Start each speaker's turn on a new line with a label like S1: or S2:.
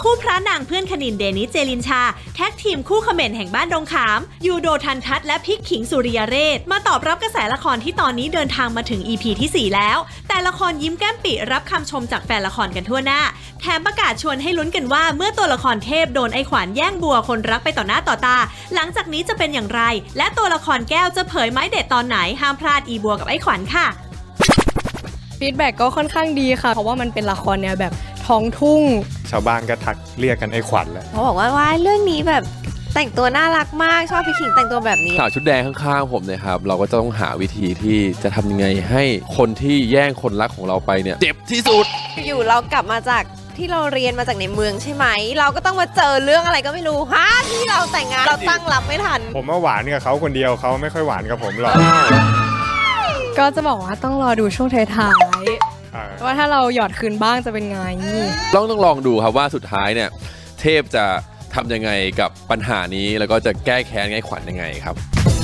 S1: คู่พระนางเพื่อนคณินเดนิสเจลินชาแท็กทีมคู่เขม่นแห่งบ้านดงขามยูโดทันทัศน์และพิกขิงสุริยเรศมาตอบรับกระแสละครที่ตอนนี้เดินทางมาถึง EP ที่ 4 แล้วแต่ละครยิ้มแก้มปิรับคำชมจากแฟนละครกันทั่วหน้าแถมประกาศชวนให้ลุ้นกันว่าเมื่อตัวละครเทพโดนไอ้ขวัญแย่งบัวคนรักไปต่อหน้าต่อตาหลังจากนี้จะเป็นอย่างไรและตัวละครแก้วจะเผยไม้เด็ดตอนไหนห้ามพลาดอีบัวกับไอ้ขวัญค่ะ
S2: ฟีดแบ็กก็ค่อนข้างดีค่ะเพราะว่ามันเป็นละครแนวแบบท้องทุ่ง
S3: ชาวบ้านก็ทักเรียกกันไอ้ขวัญแล้ว
S4: เขาบอกว่าเรื่องนี้แบบแต่งตัวน่ารักมากชอบพี่ขิงแต่งตัวแบบนี้
S5: สาวชุดแดงข้างๆผมนะครับเราก็จะต้องหาวิธีที่จะทำยังไงให้คนที่แย่งคนรักของเราไปเนี่ยเจ็บที่สุด
S4: อยู่เรากลับมาจากที่เราเรียนมาจากในเมืองใช่ไหมเราก็ต้องมาเจอเรื่องอะไรก็ไม่รู้ที่เราแต่งงานเราตั้งรับไม่ทัน
S3: ผมว่าหวานกับเขาคนเดียวเขาไม่ค่อยหวานกับผมหรอก
S2: ก็จะบอกว่าต้องรอดูช่วงท้ายๆว่าถ้าเราหยอดคืนบ้างจะเป็นไง
S5: ต้องลองดูครับว่าสุดท้ายเนี่ยเทพจะทำยังไงกับปัญหานี้แล้วก็จะแก้แค้นไอ้ขวัญยังไงครับ